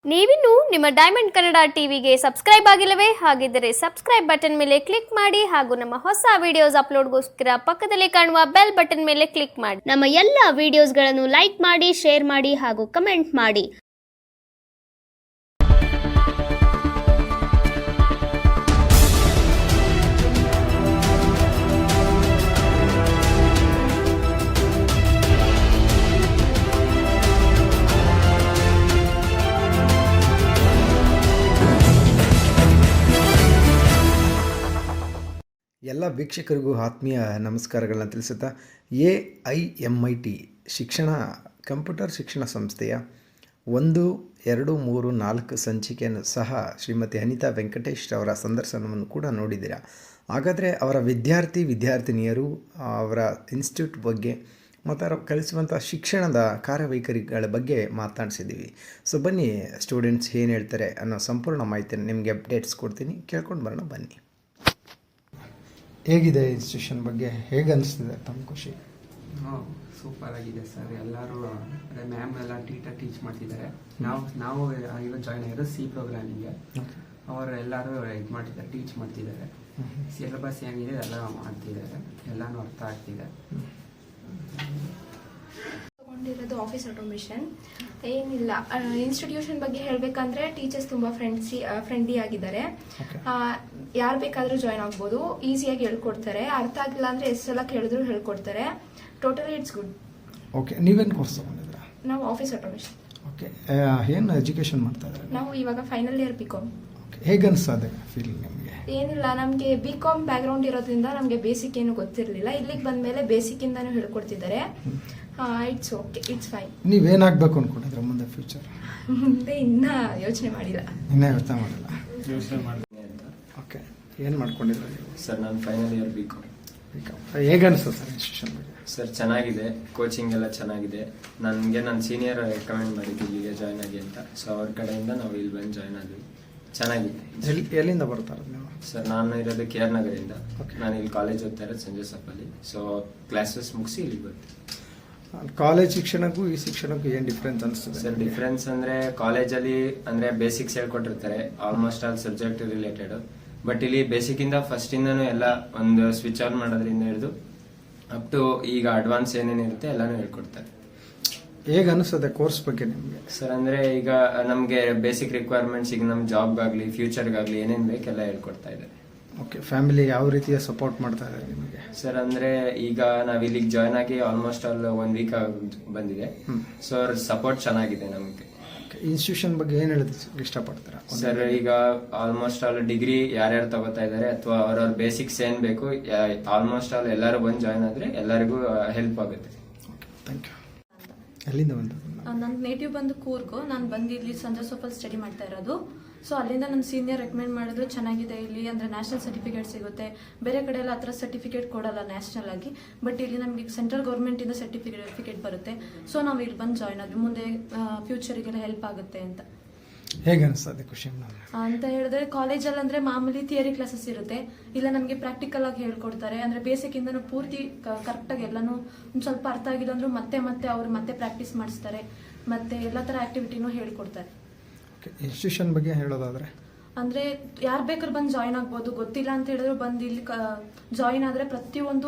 ನೀವಿನ್ನು ನಿಮ್ಮ ಡೈಮಂಡ್ ಕನ್ನಡ ಟಿವಿಗೆ ಸಬ್ಸ್ಕ್ರೈಬ್ ಆಗಿಲ್ಲವೇ? ಹಾಗಿದ್ದರೆ ಸಬ್ಸ್ಕ್ರೈಬ್ ಬಟನ್ ಮೇಲೆ ಕ್ಲಿಕ್ ಮಾಡಿ ಹಾಗೂ ನಮ್ಮ ಹೊಸ ವಿಡಿಯೋಸ್ ಅಪ್ಲೋಡ್ಗೋಸ್ಕರ ಪಕ್ಕದಲ್ಲಿ ಕಾಣುವ ಬೆಲ್ ಬಟನ್ ಮೇಲೆ ಕ್ಲಿಕ್ ಮಾಡಿ. ನಮ್ಮ ಎಲ್ಲ ವಿಡಿಯೋಸ್ಗಳನ್ನು ಲೈಕ್ ಮಾಡಿ, ಶೇರ್ ಮಾಡಿ ಹಾಗೂ ಕಮೆಂಟ್ ಮಾಡಿ. ಎಲ್ಲ ವೀಕ್ಷಕರಿಗೂ ಆತ್ಮೀಯ ನಮಸ್ಕಾರಗಳನ್ನ ತಿಳಿಸುತ್ತಾ AIMIT ಶಿಕ್ಷಣ ಕಂಪ್ಯೂಟರ್ ಶಿಕ್ಷಣ ಸಂಸ್ಥೆಯ 1, 2, 3, 4 ಸಂಚಿಕೆಯನ್ನು ಸಹ ಶ್ರೀಮತಿ ಅನಿತಾ ವೆಂಕಟೇಶ್ ಅವರ ಸಂದರ್ಶನವನ್ನು ಕೂಡ ನೋಡಿದ್ದೀರಾ. ಹಾಗಾದರೆ ಅವರ ವಿದ್ಯಾರ್ಥಿನಿಯರು ಅವರ ಇನ್ಸ್ಟಿಟ್ಯೂಟ್ ಬಗ್ಗೆ ಮತ್ತು ಅವರು ಕಲಿಸುವಂಥ ಶಿಕ್ಷಣದ ಕಾರ್ಯವೈಖರಿಗಳ ಬಗ್ಗೆ ಮಾತನಾಡಿಸಿದ್ದೀವಿ. ಸೊ ಬನ್ನಿ, ಸ್ಟೂಡೆಂಟ್ಸ್ ಏನು ಹೇಳ್ತಾರೆ ಅನ್ನೋ ಸಂಪೂರ್ಣ ಮಾಹಿತಿಯನ್ನು ನಿಮಗೆ ಅಪ್ಡೇಟ್ಸ್ ಕೊಡ್ತೀನಿ, ಕೇಳ್ಕೊಂಡು ಬರೋಣ ಬನ್ನಿ. ಹೇಗಿದೆ ಇನ್ಸ್ಟಿಟ್ಯೂಷನ್ ಬಗ್ಗೆ, ಹೇಗೆ ಅನಿಸ್ತಿದೆ ತಮ್ಮ ಖುಷಿ? ಸೂಪರ್ ಆಗಿದೆ ಸರ್. ಎಲ್ಲರೂ ಅದೇ ಮ್ಯಾಮ್ ಎಲ್ಲ ಟೀಚ್ ಮಾಡ್ತಿದ್ದಾರೆ. ನಾವು ಈಗ ಜಾಯ್ನ್ ಆಗಿರೋ ಸಿ ಪ್ರೋಗ್ರಾಮಿಂಗ್ಗೆ. ಅವರು ಎಲ್ಲರೂ ಇದು ಮಾಡ್ತಿದ್ದಾರೆ, ಟೀಚ್ ಮಾಡ್ತಿದ್ದಾರೆ. ಸಿಲೆಬಸ್ ಏನಿದೆ ಎಲ್ಲ ಮಾಡ್ತಿದ್ದಾರೆ, ಎಲ್ಲಾನು ಅರ್ಥ ಆಗ್ತಿದೆ. ತಗೊಂಡಿರೋದು ಆಫೀಸ್ ಆಟೋಮೇಷನ್. ಏನಿಲ್ಲ, ಇನ್ಸ್ಟಿಟ್ಯೂಷನ್ ಬಗ್ಗೆ ಹೇಳಬೇಕಂದ್ರೆ ಟೀಚರ್ಸ್ ತುಂಬ ಫ್ರೆಂಡ್ಲಿ ಆಗಿದ್ದಾರೆ. ಯಾರು ಬೇಕಾದರೂ ಜಾಯ್ನ್ ಆಗ್ಬೋದು, ಈಸಿಯಾಗಿ ಹೇಳ್ಕೊಡ್ತಾರೆ. ಅರ್ಥ ಆಗಿಲ್ಲ ಅಂದರೆ ಎಷ್ಟು ಸಲ ಕೇಳಿದ್ರು ಹೇಳ್ಕೊಡ್ತಾರೆ. Totally it's good. ಓಕೆ, ನೀವೇನು ಕೋರ್ಸ್ ತಗೊಂಡಿದ್ದೀರಾ? ನಾವು ಆಫೀಸ್ ಆಟೋಮೇಷನ್. ಓಕೆ, ಏನು ಎಜುಕೇಷನ್ ಮಾಡ್ತಾ ಇದ್ದಾರೆ? ನಾವು ಇವಾಗ ಫೈನಲ್ ಇಯರ್ BCom. ಹೇಗೆ ಅನಿಸ್ತದೆ ಫೀಲ್ ನಿಮಗೆ? ಏನಿಲ್ಲ, ನಮಗೆ BCom ಬ್ಯಾಕ್ಗ್ರೌಂಡ್ ಇರೋದ್ರಿಂದ ನಮಗೆ ಬೇಸಿಕ್ ಏನು ಗೊತ್ತಿರಲಿಲ್ಲ. ಇಲ್ಲಿಗೆ ಬಂದಮೇಲೆ ಬೇಸಿಕ್ಕಿಂದನೂ ಹೇಳ್ಕೊಡ್ತಿದ್ದಾರೆ. It's okay, it's fine. ನೀವೇನಾಗಬೇಕು ಅಂದ್ಕೊಂಡಿದ್ರೆ ಮುಂದೆ ಫ್ಯೂಚರ್? ಮುಂದೆ ಇನ್ನೂ ಯೋಚನೆ ಮಾಡಿಲ್ಲ. ಇನ್ನೂ ಯೋಚನೆ ಮಾಡಿಲ್ಲ. ಓಕೆ, ಏನು ಮಾಡ್ಕೊಂಡಿದ್ರೆ ಸರ್? ನಾನು ಫೈನಲ್ ಇಯರ್ BCom. ಹೇಗೆ ಅನಿಸ್ತದೆ ಸರ್ ಇನ್ಸ್ಟಿಟ್ಯೂಷನ್ ಬಗ್ಗೆ? ಸರ್ ಚೆನ್ನಾಗಿದೆ, ಕೋಚಿಂಗ್ ಎಲ್ಲ ಚೆನ್ನಾಗಿದೆ. ನನಗೆ ನನ್ನ ಸೀನಿಯರ್ ರೆಕಮೆಂಡ್ ಮಾಡಿದ್ದು ಇಲ್ಲಿಗೆ ಜಾಯ್ನ್ ಆಗಿ ಅಂತ. ಸೊ ಅವ್ರ ಕಡೆಯಿಂದ ನಾವು ಇಲ್ಲಿ ಬಂದು ಜಾಯ್ನ್ ಆದ್ವಿ. ಚೆನ್ನಾಗಿದೆ. ಎಲ್ಲಿಂದ ಬರ್ತಾರೆ ನೀವು? ಸರ್ ನಾನು ಇರೋದು KR ನಗರಿಂದ. ನಾನು ಇಲ್ಲಿ ಕಾಲೇಜ್ ಓದ್ತಾ ಇರೋದು ಸಂಜೆ ಸಪ್ಪಲ್ಲಿ. ಸೊ ಕ್ಲಾಸಸ್ ಮುಗಿಸಿ ಇಲ್ಲಿಗೆ ಬರ್ತೀನಿ. ಕಾಲೇಜ್ ಶಿಕ್ಷಣಕ್ಕೂ ಈ ಶಿಕ್ಷಣಕ್ಕೂ ಏನು ಡಿಫ್ರೆನ್ಸ್ ಅನಿಸ್ತದೆ ಸರ್? ಡಿಫ್ರೆನ್ಸ್ ಅಂದ್ರೆ ಕಾಲೇಜಲ್ಲಿ ಅಂದ್ರೆ ಬೇಸಿಕ್ಸ್ ಹೇಳ್ಕೊಟ್ಟಿರ್ತಾರೆ, almost all subject related. But ಇಲ್ಲಿ ಬೇಸಿಕ್ ಇಂದ ಫಸ್ಟ್ ಇಂದನೂ ಎಲ್ಲ ಒಂದು ಸ್ವಿಚ್ ಆನ್ ಮಾಡೋದ್ರಿಂದ ಹಿಡಿದು ಅಪ್ ಟು ಈಗ ಅಡ್ವಾನ್ಸ್ ಏನೇನಿರುತ್ತೆ ಎಲ್ಲಾನು ಹೇಳ್ಕೊಡ್ತಾರೆ. ಹೇಗೆ ಅನಿಸ್ತದೆ ಕೋರ್ಸ್ ಬಗ್ಗೆ ನಿಮಗೆ? ಸರ್ ಅಂದ್ರೆ ಈಗ ನಮ್ಗೆ ಬೇಸಿಕ್ ರಿಕ್ವೈರ್ಮೆಂಟ್ಸ್, ಈಗ ನಮ್ ಜಾಬ್ಗಾಗ್ಲಿ ಫ್ಯೂಚರ್ಗಾಗ್ಲಿ ಏನೇನ್ ಬೇಕೆಲ್ಲ ಹೇಳ್ಕೊಡ್ತಾ ಇದ್ದಾರೆ. ಓಕೆ, ಫ್ಯಾಮಿಲಿ ಯಾವ ರೀತಿಯ ಸಪೋರ್ಟ್ ಮಾಡ್ತಾ ಇದ್ದಾರೆ ನಿಮಗೆ? ಸರ್ ಅಂದ್ರೆ ಈಗ ನಾವ್ ಇಲ್ಲಿಗೆ ಜಾಯ್ನ್ ಆಗಿ ಆಲ್ಮೋಸ್ಟ್ ಆಲ್ 1 ವೀಕ್ ಬಂದಿದೆ. ಸೊ ಅವ್ರ ಸಪೋರ್ಟ್ ಚೆನ್ನಾಗಿದೆ ನಮ್ಗೆ. ಇನ್ಸ್ಟಿಟ್ಯೂಷನ್ ಬಗ್ಗೆ ಏನ್ ಹೇಳೋದು ಇಷ್ಟಪಡ್ತೀರಾ ಸರ್? ಈಗ ಆಲ್ಮೋಸ್ಟ್ ಆಲ್ ಡಿಗ್ರಿ ಯಾರ್ಯಾರು ತಗೋತಾ ಇದಾರೆ ಅಥವಾ ಅವ್ರವ್ರ ಬೇಸಿಕ್ಸ್ ಏನ್ ಬೇಕು ಆಲ್ಮೋಸ್ಟ್ ಆಲ್ ಎಲ್ಲರೂ ಬಂದು ಜಾಯ್ನ್ ಆದ್ರೆ ಎಲ್ಲರಿಗೂ ಹೆಲ್ಪ್ ಆಗುತ್ತೆ. Thank you. ಎಲ್ಲಿಂದ ಬಂದ? ನನ್ನ ನೇಟಿವ್ ಬಂದು ಕೂರ್ಗು. ನಾನು ಬಂದು ಇಲ್ಲಿ ಸಂಜೆ ಸೊಪ್ಪಲ್ಲಿ ಸ್ಟಡಿ ಮಾಡ್ತಾ ಇರೋದು. ಸೊ ಅಲ್ಲಿಂದ ನನ್ನ ಸೀನಿಯರ್ ರೆಕಮೆಂಡ್ ಮಾಡಿದ್ರು ಚೆನ್ನಾಗಿದೆ ಇಲ್ಲಿ, ಅಂದರೆ ನ್ಯಾಷನಲ್ ಸರ್ಟಿಫಿಕೇಟ್ ಸಿಗುತ್ತೆ. ಬೇರೆ ಕಡೆ ಎಲ್ಲ ಆ ಥರ ಸರ್ಟಿಫಿಕೇಟ್ ಕೊಡಲ್ಲ ನ್ಯಾಷನಲ್ ಆಗಿ, ಬಟ್ ಇಲ್ಲಿ ನಮಗೆ ಸೆಂಟ್ರಲ್ ಗೌರ್ಮೆಂಟಿಂದ ಸರ್ಟಿಫಿಕೇಟ್ ಬರುತ್ತೆ. ಸೊ ನಾವು ಇಲ್ಲಿ ಬಂದು ಜಾಯ್ನ್ ಆದ್ವಿ, ಮುಂದೆ ಫ್ಯೂಚರಿಗೆಲ್ಲ ಹೆಲ್ಪ್ ಆಗುತ್ತೆ ಅಂತ. ಹೇಗೆ ಅನಿಸ್ತದೆ ಖುಷಿ ಅಂತ ಹೇಳಿದ್ರೆ ಕಾಲೇಜಲ್ಲಿ ಅಂದರೆ ಮಾಮೂಲಿ ಥಿಯರಿ ಕ್ಲಾಸಸ್ ಇರುತ್ತೆ, ಇಲ್ಲ ನಮಗೆ ಪ್ರಾಕ್ಟಿಕಲ್ ಆಗಿ ಹೇಳ್ಕೊಡ್ತಾರೆ. ಅಂದರೆ ಬೇಸಿಕ್ ಇಂದನೂ ಪೂರ್ತಿ ಕರೆಕ್ಟಾಗಿ ಎಲ್ಲನೂ ಒಂದು ಸ್ವಲ್ಪ ಅರ್ಥ ಆಗಿಲ್ಲ ಅಂದ್ರೂ ಮತ್ತೆ ಅವ್ರು ಮತ್ತೆ ಪ್ರಾಕ್ಟೀಸ್ ಮಾಡಿಸ್ತಾರೆ, ಮತ್ತೆ ಎಲ್ಲ ಥರ ಆಕ್ಟಿವಿಟಿನೂ ಹೇಳ್ಕೊಡ್ತಾರೆ. ಇನ್ಸ್ಟಿಟ್ಯೂಷನ್ ಬಗ್ಗೆ ಹೇಳೋದಾದ್ರೆ ಅಂದರೆ ಯಾರು ಬೇಕಾದ್ರೂ ಬಂದು ಜಾಯ್ನ್ ಆಗ್ಬೋದು. ಗೊತ್ತಿಲ್ಲ ಅಂತ ಹೇಳಿದ್ರು ಬಂದು ಇಲ್ಲಿ ಜಾಯ್ನ್ ಆದರೆ ಪ್ರತಿಯೊಂದು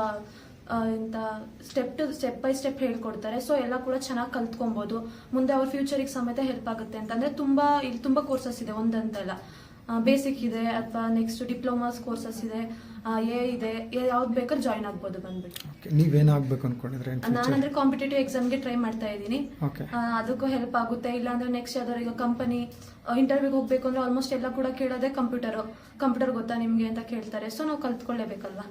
ಇಂಥ ಸ್ಟೆಪ್ ಬೈ ಸ್ಟೆಪ್ ಹೇಳ್ಕೊಡ್ತಾರೆ. ಸೊ ಎಲ್ಲ ಕೂಡ ಚೆನ್ನಾಗಿ ಕಲ್ತ್ಕೊಬೋದು, ಮುಂದೆ ಅವ್ರ ಫ್ಯೂಚರಿಗೆ ಸಮೇತ ಹೆಲ್ಪ್ ಆಗುತ್ತೆ ಅಂತ. ಅಂದರೆ ಇಲ್ಲಿ ತುಂಬ ಕೋರ್ಸಸ್ ಇದೆ, ಒಂದಂತೆಲ್ಲ ಬೇಸಿಕ್ ಇದೆ ಅಥವಾ ನೆಕ್ಸ್ಟ್ ಡಿಪ್ಲೊಮಾಸ್ ಕೋರ್ಸಸ್ ಇದೆ, ಇದೆ, ಯಾವ್ದು ಬೇಕಾದ್ರೂ ಜಾಯ್ನ್ ಆಗ್ಬೋದು ಬಂದ್ಬಿಟ್ಟು. ನೀವೇನಾಗಬೇಕು ಅನ್ಕೊಂಡಿದ್ರೆ? ನಾನಂದ್ರೆ ಕಾಂಪಿಟೇಟಿವ್ ಎಕ್ಸಾಮ್ಗೆ ಟ್ರೈ ಮಾಡ್ತಾ ಇದ್ದೀನಿ, ಅದಕ್ಕೂ ಹೆಲ್ಪ್ ಆಗುತ್ತೆ. ಇಲ್ಲ ಅಂದ್ರೆ ನೆಕ್ಸ್ಟ್ ಯಾವ್ದಾದ್ರು ಈಗ ಕಂಪನಿ ಇಂಟರ್ವ್ಯೂಗೆ ಹೋಗ್ಬೇಕು ಅಂದ್ರೆ ಆಲ್ಮೋಸ್ಟ್ ಎಲ್ಲ ಕೂಡ ಕೇಳೋದೆ ಕಂಪ್ಯೂಟರ್ ಗೊತ್ತಾ ನಿಮ್ಗೆ ಅಂತ ಕೇಳ್ತಾರೆ. ಸೊ ನಾವು ಕಲ್ತ್ಕೊಳ್ಳೇಬೇಕಲ್ವಾ.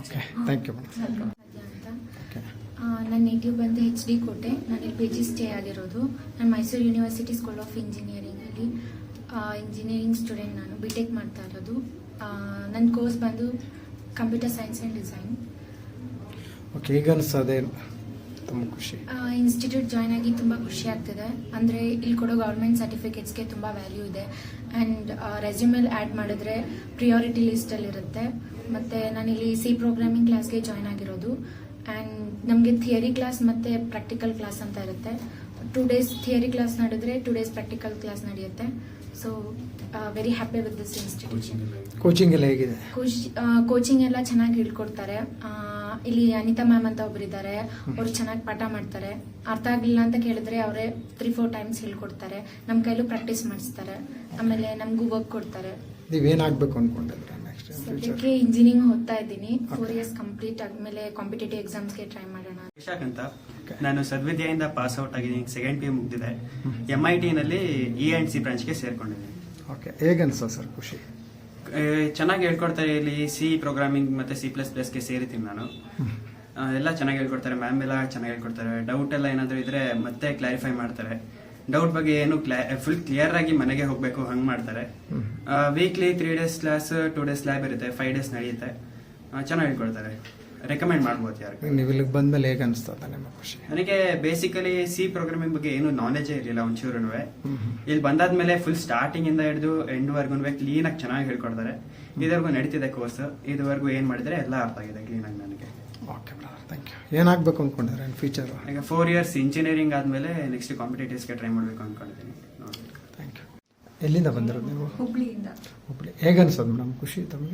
ನನ್ನ ನೇಟಿವ್ ಬಂದು HD ಕೋಟೆ. ನಾನು ಇಲ್ಲಿ PG ಸ್ಟೇ ಆಗಿರೋದು. ನಾನು ಮೈಸೂರು ಯೂನಿವರ್ಸಿಟಿ ಸ್ಕೂಲ್ ಆಫ್ ಇಂಜಿನಿಯರಿಂಗಲ್ಲಿ ಇಂಜಿನಿಯರಿಂಗ್ ಸ್ಟೂಡೆಂಟ್. ನಾನು BTech ಮಾಡ್ತಾ ಇರೋದು. ನನ್ನ ಕೋರ್ಸ್ ಬಂದು ಕಂಪ್ಯೂಟರ್ ಸೈನ್ಸ್ ಆ್ಯಂಡ್ ಡಿಸೈನ್. ಹೇಗೆ ಅನಿಸ್ತದೆ? ತುಂಬ ಖುಷಿ. ಇನ್ಸ್ಟಿಟ್ಯೂಟ್ ಜಾಯ್ನ್ ಆಗಿ ತುಂಬ ಖುಷಿ ಆಗ್ತಿದೆ. ಅಂದರೆ ಇಲ್ಲಿ ಕೊಡೋ ಗೌರ್ಮೆಂಟ್ ಸರ್ಟಿಫಿಕೇಟ್ಸ್ಗೆ ತುಂಬ ವ್ಯಾಲ್ಯೂ ಇದೆ. ಆ್ಯಂಡ್ ರೆಸ್ಯೂಮಲ್ಲಿ ಆ್ಯಡ್ ಮಾಡಿದ್ರೆ ಪ್ರಿಯಾರಿಟಿ ಲಿಸ್ಟಲ್ಲಿರುತ್ತೆ. ಮತ್ತು ನಾನಿಲ್ಲಿ C ಪ್ರೋಗ್ರಾಮಿಂಗ್ ಕ್ಲಾಸ್ಗೆ ಜಾಯ್ನ್ ಆಗಿರೋದು. ಆ್ಯಂಡ್ ನಮಗೆ ಥಿಯರಿ ಕ್ಲಾಸ್ ಮತ್ತು ಪ್ರಾಕ್ಟಿಕಲ್ ಕ್ಲಾಸ್ ಅಂತ ಇರುತ್ತೆ. 2 days ಥಿಯರಿ ಕ್ಲಾಸ್ ನಡೆದ್ರೆ 2 days ಪ್ರಾಕ್ಟಿಕಲ್ ಕ್ಲಾಸ್ ನಡೆಯುತ್ತೆ. So very happy with this institution. Coaching ಎಲ್ಲ ಹೇಗಿದೆ? ಕೋಚಿಂಗ್ ಎಲ್ಲ ಚೆನ್ನಾಗಿ ಹೇಳ್ಕೊಡ್ತಾರೆ. ಇಲ್ಲಿ ಅನಿತಾ ಮ್ಯಾಮ್ ಅಂತ ಒಬ್ಬರಿದ್ದಾರೆ, ಅವ್ರು ಚೆನ್ನಾಗಿ ಪಾಠ ಮಾಡ್ತಾರೆ. ಅರ್ಥ ಆಗಲಿಲ್ಲ ಅಂತ ಕೇಳಿದ್ರೆ ಅವರೇ 3-4 ಟೈಮ್ಸ್ ಹೇಳ್ಕೊಡ್ತಾರೆ. ನಮ್ಮ ಕೈಲೂ ಪ್ರಾಕ್ಟೀಸ್ ಮಾಡಿಸ್ತಾರೆ. ಆಮೇಲೆ ನಮಗೂ ವರ್ಕ್ ಕೊಡ್ತಾರೆ. ನೀವೇನಾಗಬೇಕು ಅಂದ್ಕೊಂಡಿದ್ರೆ ನೆಕ್ಸ್ಟ್? ಸದ್ಯಕ್ಕೆ ಇಂಜಿನಿಯರಿಂಗ್ ಓದ್ತಾ ಇದ್ದೀನಿ. 4 years ಕಂಪ್ಲೀಟ್ ಆದ್ಮೇಲೆ ಕಾಂಪಿಟೇಟಿವ್ ಎಕ್ಸಾಮ್ಸ್ಗೆ ಟ್ರೈ ಮಾಡೋಣ. ವಿಶಾಖ್ ಅಂತ, ನಾನು ಸದ್ವಿದ್ಯೆಯಿಂದ ಪಾಸ್ ಔಟ್ ಆಗಿದ್ದೀನಿ. 2nd PU ಮುಗಿದಿದೆ. MIT ನಲ್ಲಿ E&C ಬ್ರಾಂಚ್ಗೆ ಸೇರ್ಕೊಂಡಿದ್ದೀನಿ. ಓಕೆ, ಹೇಗನ್ಸ ಸರ್ ಖುಷಿ? ಚೆನ್ನಾಗಿ ಹೇಳ್ಕೊಡ್ತಾರೆ. ಇಲ್ಲಿ ಸಿ ಪ್ರೋಗ್ರಾಮಿಂಗ್ ಮತ್ತೆ C++ಗೆ ಸೇರಿದ್ದೀನಿ ನಾನು. ಎಲ್ಲ ಚೆನ್ನಾಗಿ ಹೇಳ್ಕೊಡ್ತಾರೆ. ಮ್ಯಾಮ್ ಎಲ್ಲ ಚೆನ್ನಾಗಿ ಹೇಳ್ಕೊಡ್ತಾರೆ. ಡೌಟ್ ಎಲ್ಲ ಏನಾದರೂ ಇದ್ರೆ ಮತ್ತೆ ಕ್ಲಾರಿಫೈ ಮಾಡ್ತಾರೆ. ಡೌಟ್ ಬಗ್ಗೆ ಏನು ಫುಲ್ ಕ್ಲಿಯರ್ ಆಗಿ ಮನೆಗೆ ಹೋಗ್ಬೇಕು ಹಂಗೆ ಮಾಡ್ತಾರೆ. Weekly 3 days class, 2 days lab ಇರುತ್ತೆ, 5 days ನಡೆಯುತ್ತೆ. ಚೆನ್ನಾಗಿ ಹೇಳ್ಕೊಡ್ತಾರೆ. ರೆಕಮೆಂಡ್ ಮಾಡ್ಬೋದು ಯಾರಿಗೆ. ನೀವು ಇಲ್ಲಿಗೆ ಬಂದ್ಮೇಲೆ ಹೇಗೆ ಅನಿಸ್ತದೆ ನಿಮ್ಮ ಖುಷಿ? ನನಗೆ ಬೇಸಿಕಲಿ ಸಿ ಪ್ರೋಗ್ರಾಮಿಂಗ್ ಬಗ್ಗೆ ಏನು ನಾಲೆಜೇ ಇರಲಿಲ್ಲ ಒಂಚೂರು. ಇಲ್ಲಿ ಬಂದಾದ್ಮೇಲೆ ಫುಲ್ ಸ್ಟಾರ್ಟಿಂಗ್ ಇಂದ ಹಿಡಿದು ಎಂಡ್ ವರ್ಗು ಕ್ಲೀನ್ ಆಗಿ ಚೆನ್ನಾಗಿ ಹೇಳ್ಕೊಡ್ತಾರೆ. ಇದುವರೆಗೂ ನಡೀತಿದೆ ಕೋರ್ಸ್. ಇದುವರೆಗೂ ಏನ್ ಮಾಡಿದ್ರೆ ಎಲ್ಲ ಅರ್ಥ ಆಗಿದೆ ಕ್ಲೀನ್ ಆಗಿ ನನಗೆ. Okay brother, thank you. ಏನಾಗಬೇಕು ಅಂದ್ಕೊಂಡಿದ್ರೆ ಫ್ಯೂಚರ್? ಈಗ 4 years ಇಂಜಿನಿಯರಿಂಗ್ ಆದ್ಮೇಲೆ ನೆಕ್ಸ್ಟ್ ಕಾಂಪಿಟೇಟಿವ್ಸ್ಗೆ ಟ್ರೈ ಮಾಡಬೇಕು ಅಂದ್ಕೊಂಡಿದ್ದೀನಿ. Thank you. ಎಲ್ಲಿಂದ ಬಂದಿರೋದು ನೀವು? ಹುಬ್ಳಿಯಿಂದ. ಹುಬ್ಳಿ. ಹೇಗೆ ಅನ್ಸೋದು ಮೇಡಮ್ ಖುಷಿ ತಮಗೆ?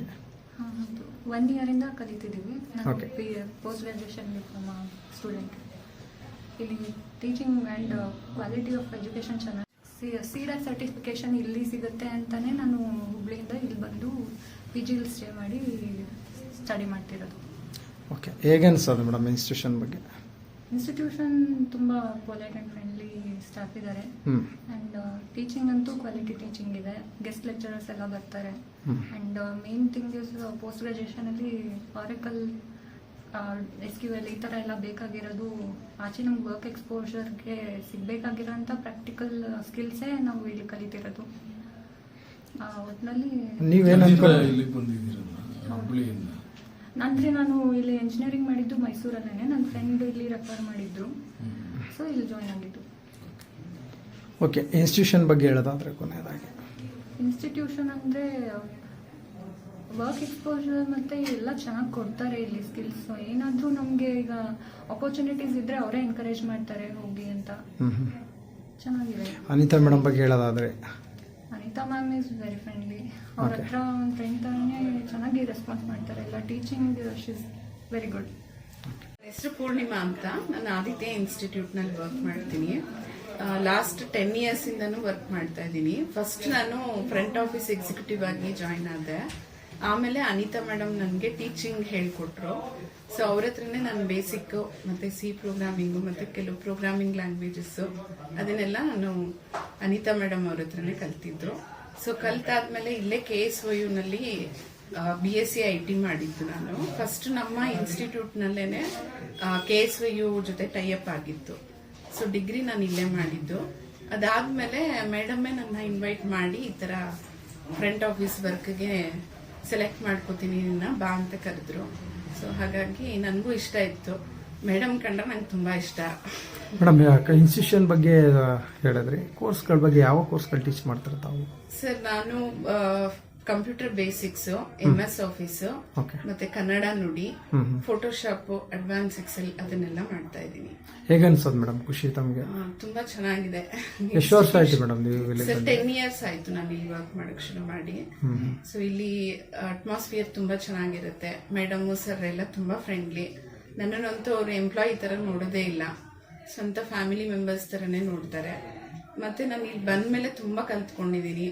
1 year ಕಲಿತಿದ್ದೀವಿ. ನಾನು Okay. Post graduation diploma student. ಇಲ್ಲಿ teaching and quality of education ಚೆನ್ನಾಗಿ. CDAC ಸರ್ಟಿಫಿಕೇಶನ್ ಇಲ್ಲಿ ಸಿಗುತ್ತೆ ಅಂತಲೇ ನಾನು ಹುಬ್ಳಿಯಿಂದ ಇಲ್ಲಿ ಬಂದು PG ಸ್ಟೇ ಮಾಡಿ ಸ್ಟಡಿ ಮಾಡ್ತಿರೋದು. ಓಕೆ, ಹೇಗೆ ಅನ್ಸೋದು ಮೇಡಮ್ ಇನ್ಸ್ಟಿಟ್ಯೂಷನ್ ಬಗ್ಗೆ? ಇನ್ಸ್ಟಿಟ್ಯೂಷನ್ ತುಂಬ ಪೊಲೈಟ್ ಆ್ಯಂಡ್ ಫ್ರೆಂಡ್ಲಿ ಸ್ಟಾಫ್ ಇದ್ದಾರೆ. ಆ್ಯಂಡ್ ಟೀಚಿಂಗ್ ಅಂತೂ ಕ್ವಾಲಿಟಿ ಟೀಚಿಂಗ್ ಇದೆ. ಗೆಸ್ಟ್ ಲೆಕ್ಚರರ್ಸ್ ಎಲ್ಲ ಬರ್ತಾರೆ. And main thing is post ಗ್ರಾಜುಯೇಷನಲ್ಲಿ ಆರೆಕಲ್, SQL ಈ ಥರ ಎಲ್ಲ ಬೇಕಾಗಿರೋದು. ಆಚೆ ನಮ್ಗೆ ವರ್ಕ್ ಎಕ್ಸ್ಪೋಜರ್ಗೆ ಸಿಗಬೇಕಾಗಿರೋಂಥ ಪ್ರಾಕ್ಟಿಕಲ್ ಸ್ಕಿಲ್ಸೇ ನಾವು ಇಲ್ಲಿ ಕಲಿತಿರೋದು. ಒಟ್ಟಿನಲ್ಲಿ ನೀವೇನು ಅಂದರೆ ನಾನು ಇಲ್ಲಿ ಎಂಜಿನಿಯರಿಂಗ್ ಮಾಡಿದ್ದು ಮೈಸೂರಲ್ಲೇ. ನನ್ನ ಫ್ರೆಂಡ್ ಇಲ್ಲಿ ರೆಫರ್ ಮಾಡಿದ್ರು, ಸೊ ಇಲ್ಲಿ ಜಾಯ್ನ್ ಆಗಿದ್ದು. ಓಕೆ, ಇನ್ಸ್ಟಿಟ್ಯೂಷನ್ ಬಗ್ಗೆ ಹೇಳೋದಾದ್ರೆ ಕೊನೆಯದಾಗಿ? ಇನ್ಸ್ಟಿಟ್ಯೂಷನ್ ಅಂದರೆ ವರ್ಕ್ ಎಕ್ಸ್ಪೋಜರ್ ಮತ್ತು ಎಲ್ಲ ಚೆನ್ನಾಗಿ ಕೊಡ್ತಾರೆ ಇಲ್ಲಿ ಸ್ಕಿಲ್ಸ್. ಏನಾದರೂ ನಮಗೆ ಈಗ ಆಪರ್ಚುನಿಟೀಸ್ ಇದ್ದರೆ ಅವರೇ ಎನ್ಕರೇಜ್ ಮಾಡ್ತಾರೆ ಹೋಗಿ ಅಂತ. ಚೆನ್ನಾಗಿದೆ. ಅನಿತಾ ಮೇಡಮ್ ಬಗ್ಗೆ ಹೇಳೋದಾದ್ರೆ? Anita ma'am is very friendly. ಅವ್ರ ಹತ್ರ ಒಂದು ಫ್ರೆಂಡ್ ಥರನೇ ಚೆನ್ನಾಗಿ ರೆಸ್ಪಾನ್ಸ್ ಮಾಡ್ತಾರೆ. ಎಲ್ಲ teaching she is very good. ಹೆಸರು ಪೂರ್ಣಿಮಾ ಅಂತ. ನಾನು ಆದಿತ್ಯ ಇನ್ಸ್ಟಿಟ್ಯೂಟ್ನಲ್ಲಿ ವರ್ಕ್ ಮಾಡ್ತೀನಿ. ಲಾಸ್ಟ್ 10 years ಇಂದನೂ ವರ್ಕ್ ಮಾಡ್ತಾ ಇದ್ದೀನಿ. ಫಸ್ಟ್ ನಾನು ಫ್ರಂಟ್ ಆಫೀಸ್ ಎಕ್ಸಿಕ್ಯೂಟಿವ್ ಆಗಿ ಜಾಯ್ನ್ ಆದೆ. ಆಮೇಲೆ ಅನಿತಾ ಮೇಡಮ್ ನನಗೆ ಟೀಚಿಂಗ್ ಹೇಳ್ಕೊಟ್ರು. ಸೊ ಅವ್ರ ಹತ್ರನೇ ನಾನು ಬೇಸಿಕ್ ಮತ್ತೆ ಸಿ ಪ್ರೋಗ್ರಾಮಿಂಗು ಮತ್ತೆ ಕೆಲವು ಪ್ರೋಗ್ರಾಮಿಂಗ್ ಲ್ಯಾಂಗ್ವೇಜಸ್ ಅದನ್ನೆಲ್ಲ ನಾನು ಅನಿತಾ ಮೇಡಮ್ ಅವ್ರ ಹತ್ರನೇ ಕಲ್ತಿದ್ರು. ಸೊ ಕಲ್ತಾದ್ಮೇಲೆ ಇಲ್ಲೇ KSOU ನಲ್ಲಿ BSc IT ಮಾಡಿದ್ದು ನಾನು. ಫಸ್ಟ್ ನಮ್ಮ ಇನ್ಸ್ಟಿಟ್ಯೂಟ್ ನಲ್ಲೇನೆ KSOU ಜೊತೆ ಟೈಅಪ್ ಆಗಿತ್ತು. ಸೊ ಡಿಗ್ರಿ ನಾನು ಇಲ್ಲೇ ಮಾಡಿದ್ದು. ಅದಾದ್ಮೇಲೆ ಮೇಡಮ್ಮೇ ನನ್ನ ಇನ್ವೈಟ್ ಮಾಡಿ ಈ ತರ ಫ್ರಂಟ್ ಆಫೀಸ್ ವರ್ಕ್ಗೆ ಸೆಲೆಕ್ಟ್ ಮಾಡ್ಕೋತೀನಿ ಬಾ ಅಂತ ಕರೆದ್ರು. ಸೊ ಹಾಗಾಗಿ ನನಗೂ ಇಷ್ಟ ಇತ್ತು. ಮೇಡಮ್ ಕಂಡ್ರೆ ನಂಗೆ ತುಂಬಾ ಇಷ್ಟ. ಮೇಡಮ್, ಇನ್ಸ್ಟಿಟ್ಯೂಷನ್ ಬಗ್ಗೆ ಹೇಳಿದ್ರಿ, ಕೋರ್ಸ್ಗಳ ಬಗ್ಗೆ ಯಾವ ಕೋರ್ಸ್ಗಳು ಟೀಚ್ ಮಾಡ್ತಾರೆ ತಾವು? ಸರ್, ನಾನು ಕಂಪ್ಯೂಟರ್ ಬೇಸಿಕ್ಸ್, MS ಆಫೀಸ್, ಮತ್ತೆ ಕನ್ನಡ ನುಡಿ, ಫೋಟೋಶಾಪ್, ಅಡ್ವಾನ್ಸ್ ಎಕ್ಸೆಲ್ ಅದನ್ನೆಲ್ಲ ಮಾಡ್ತಾ ಇದ್ದೀನಿ. ಹೇಗೆ ಅನ್ಸೋದು ಮೇಡಮ್ ಖುಷಿ ತಮಗೆ? ತುಂಬಾ ಚೆನ್ನಾಗಿದೆ. ಎಷ್ಟು ವರ್ಷ ಆಯ್ತು ಮೇಡಮ್ ನೀವು? ಸರ್ 10 years ಆಯ್ತು ನಾನು ಇಲ್ಲಿ ವರ್ಕ್ ಮಾಡಕ್ ಶುರು ಮಾಡಿ. ಸೊ ಇಲ್ಲಿ ಅಟ್ಮಾಸ್ಫಿಯರ್ ತುಂಬಾ ಚೆನ್ನಾಗಿರುತ್ತೆ. ಮೇಡಮ್ ಸರ್ ಎಲ್ಲ ತುಂಬಾ ಫ್ರೆಂಡ್ಲಿ. ನನ್ನನ್ನಂತೂ ಅವ್ರು ಎಂಪ್ಲಾಯಿ ತರ ನೋಡೋದೇ ಇಲ್ಲ, ಸ್ವಂತ ಫ್ಯಾಮಿಲಿ ಮೆಂಬರ್ಸ್ ತರನೇ ನೋಡ್ತಾರೆ. ಮತ್ತೆ ನಾನು ಇಲ್ಲಿ ಬಂದ್ಮೇಲೆ ತುಂಬಾ ಕಲ್ತ್ಕೊಂಡಿದ್ದೀನಿ.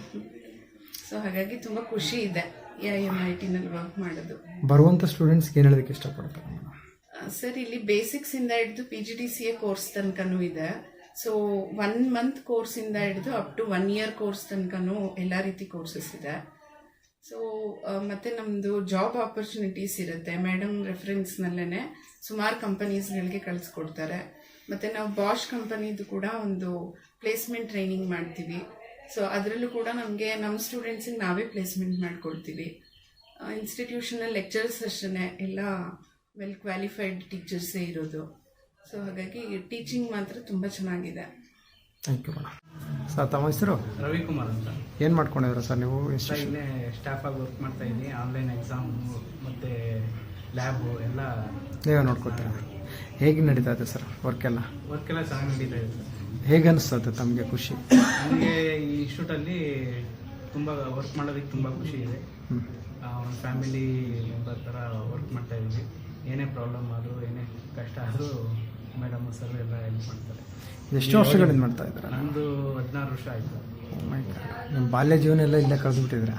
ಸೊ ಹಾಗಾಗಿ ತುಂಬಾ ಖುಷಿ ಇದೆ MIT ನಲ್ಲಿ ವರ್ಕ್ ಮಾಡೋದು. ಬರುವಂತ ಸ್ಟೂಡೆಂಟ್ಸ್ ಏನ್ ಹೇಳೋದಕ್ಕೆ ಇಷ್ಟಪಡ್ತಾರೆ? ಸರ್, ಇಲ್ಲಿ ಬೇಸಿಕ್ಸ್ ಇಂದ ಹಿಡಿದು PGDCA ಕೋರ್ಸ್ ತನಕನೂ ಇದೆ. ಸೊ 1 month ಕೋರ್ಸ್ ಇಂದ ಹಿಡಿದು ಅಪ್ ಟು 1 year ಕೋರ್ಸ್ ತನಕನೂ ಎಲ್ಲಾ ರೀತಿ ಕೋರ್ಸಸ್ ಇದೆ. ಸೊ ಮತ್ತೆ ನಮ್ದು ಜಾಬ್ ಆಪರ್ಚುನಿಟೀಸ್ ಇರುತ್ತೆ. ಮೇಡಮ್ ರೆಫರೆನ್ಸ್ ನಲ್ಲೇನೆ ಸುಮಾರು ಕಂಪನೀಸ್ಗಳಿಗೆ ಕಳಿಸ್ಕೊಡ್ತಾರೆ. ಮತ್ತೆ ನಾವು ಬಾಷ್ ಕಂಪನಿದು ಕೂಡ ಒಂದು ಪ್ಲೇಸ್ಮೆಂಟ್ ಟ್ರೈನಿಂಗ್ ಮಾಡ್ತೀವಿ. ಸೊ ಅದರಲ್ಲೂ ಕೂಡ ನಮಗೆ ನಮ್ಮ ಸ್ಟೂಡೆಂಟ್ಸಿಗೆ ನಾವೇ ಪ್ಲೇಸ್ಮೆಂಟ್ ಮಾಡ್ಕೊಡ್ತೀವಿ. ಇನ್ಸ್ಟಿಟ್ಯೂಷನಲ್ ಲೆಕ್ಚರ್ಸ್ ಅಷ್ಟೇ ಎಲ್ಲ ವೆಲ್ ಕ್ವಾಲಿಫೈಡ್ ಟೀಚರ್ಸೇ ಇರೋದು. ಸೊ ಹಾಗಾಗಿ ಟೀಚಿಂಗ್ ಮಾತ್ರ ತುಂಬ ಚೆನ್ನಾಗಿದೆ. Thank you madam. ಸರ್, ತಮ್ಮ ಹೆಸರು? ರವಿಕುಮಾರ್ ಅಂತ. ಏನು ಮಾಡ್ಕೊಂಡಿದ್ದೀರಾ ಸರ್ ನೀವು? ಇಲ್ಲೇ ಸ್ಟಾಫ್ ಆಗಿ ವರ್ಕ್ ಮಾಡ್ತಾ ಇದ್ದೀನಿ. ಆನ್ಲೈನ್ ಎಕ್ಸಾಮ್ ಮತ್ತು ಲ್ಯಾಬು ಎಲ್ಲ ನೀವೇ ನೋಡ್ಕೊತೀರಾ? ಹೇಗೆ ನಡೀತಾ ಇದೆ ಸರ್ ವರ್ಕೆಲ್ಲ? ವರ್ಕ್ ಎಲ್ಲ ಚೆನ್ನಾಗಿ ನಡೀತಾ ಇದೆ ಸರ್. ಹೇಗೆ ಅನಿಸ್ತದೆ ತಮಗೆ ಖುಷಿ? ನನಗೆ ಈ ಇನ್ಸ್ಟಿಟ್ಯೂಟಲ್ಲಿ ತುಂಬ ವರ್ಕ್ ಮಾಡೋದಕ್ಕೆ ತುಂಬ ಖುಷಿ ಇದೆ. ಒಂದು ಫ್ಯಾಮಿಲಿ ಮೆಂಬರ್ ಥರ ವರ್ಕ್ ಮಾಡ್ತಾ ಇದ್ವಿ. ಏನೇ ಪ್ರಾಬ್ಲಮ್ ಆದರೂ ಏನೇ ಕಷ್ಟ ಆದರೂ ಮೇಡಮ್ ಸರ್ ಎಲ್ಲ ಹೆಲ್ಪ್ ಮಾಡ್ತಾರೆ. ಎಷ್ಟು ವರ್ಷಗಳಿಂದ ಮಾಡ್ತಾ ಇದ್ದೀರಾ? ನಂದು 16 ವರ್ಷ ಆಯಿತು. ನಿಮ್ಮ ಬಾಲ್ಯ ಜೀವನ ಎಲ್ಲ ಇಲ್ಲೇ ಕಳೆದುಬಿಟ್ಟಿದ್ದೀರಾ?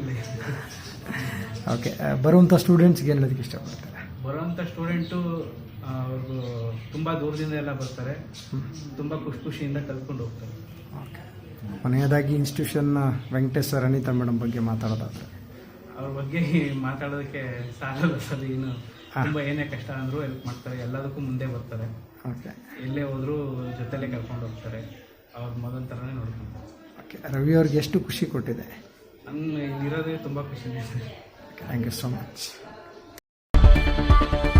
ಓಕೆ, ಬರುವಂಥ ಸ್ಟೂಡೆಂಟ್ಸ್ಗೆ ಏನು ಹೇಳೋದಕ್ಕೆ ಇಷ್ಟಪಡ್ತಾರೆ? ಬರುವಂಥ ಸ್ಟೂಡೆಂಟು ಅವ್ರಿಗೂ ತುಂಬ ದೂರದಿಂದ ಎಲ್ಲ ಬರ್ತಾರೆ, ತುಂಬ ಖುಷಿಯಿಂದ ಕಲ್ತ್ಕೊಂಡು ಹೋಗ್ತಾರೆ. ಓಕೆ, ಕೊನೆಯದಾಗಿ ಇನ್ಸ್ಟಿಟ್ಯೂಷನ್ನ ವೆಂಕಟೇಶ್ ಸರ್, ಅನಿತಾ ಮೇಡಮ್ ಬಗ್ಗೆ ಮಾತಾಡೋದಾದ್ರೆ? ಅವ್ರ ಬಗ್ಗೆ ಮಾತಾಡೋದಕ್ಕೆ ಸಾಲಲ್ಲ ಸರ್. ಇನ್ನು ತುಂಬ ಏನೇ ಕಷ್ಟ ಅಂದರೂ ಹೆಲ್ಪ್ ಮಾಡ್ತಾರೆ, ಎಲ್ಲದಕ್ಕೂ ಮುಂದೆ ಬರ್ತಾರೆ. ಓಕೆ, ಎಲ್ಲೇ ಹೋದರೂ ಜೊತೆಲೇ ಕರ್ಕೊಂಡು ಹೋಗ್ತಾರೆ, ಅವ್ರ ಮೊದಲ ಥರನೇ ನೋಡ್ಕೊಂತಾರೆ. ಓಕೆ, ರವಿ ಅವ್ರಿಗೆ ಎಷ್ಟು ಖುಷಿ ಕೊಟ್ಟಿದೆ? ನನ್ನ ಇರೋದೇ ತುಂಬ ಖುಷಿ ಇದೆ sir. Thank you so much.